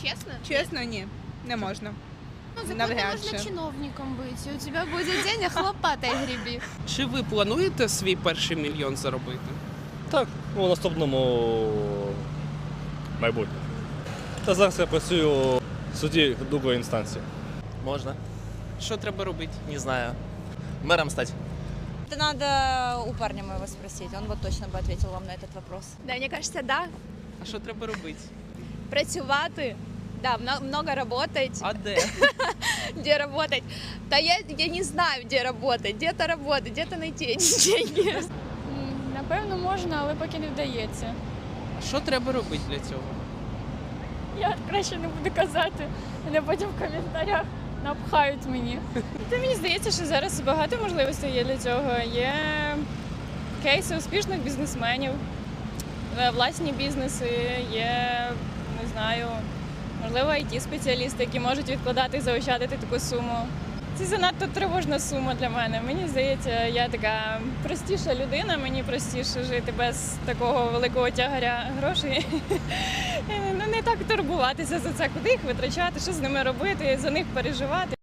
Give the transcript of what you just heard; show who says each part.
Speaker 1: Чесно?
Speaker 2: Чесно, ні. Не можна.
Speaker 1: Ну, законно
Speaker 2: навряд
Speaker 1: можна
Speaker 2: чи.
Speaker 1: чиновником бути. У тебе буде день, а лопатой гребі.
Speaker 3: Чи ви плануєте свій перший мільйон заробити?
Speaker 4: Так, у наступному майбутньому. Та зараз я працюю в суді другої інстанції.
Speaker 5: Можно,
Speaker 3: Що треба робити?
Speaker 5: не знаю. Мэром стать.
Speaker 6: Это надо у парня моего спросить, он вот точно бы ответил вам на этот вопрос.
Speaker 7: Да, мне кажется, да.
Speaker 3: А що треба робити?
Speaker 7: Працювати. Да, много работать.
Speaker 3: А де?
Speaker 7: Где работать? Да я не знаю, где работать. Где-то работать, где-то найти эти деньги.
Speaker 8: Напевно, можна, але поки не вдається.
Speaker 3: А що треба робити для цього?
Speaker 8: Я краще не буду казати, мене потім в коментарях напхають мені. Та мені здається, що зараз багато можливостей є для цього. Є кейси успішних бізнесменів, власні бізнеси, є, не знаю, можливо, IT-спеціалісти, які можуть відкладати і заощадити таку суму. Це занадто тривожна сума для мене. Мені здається, я така простіша людина, мені простіше жити без такого великого тягаря грошей. Не так турбуватися за це, куди їх витрачати, що з ними робити, за них переживати.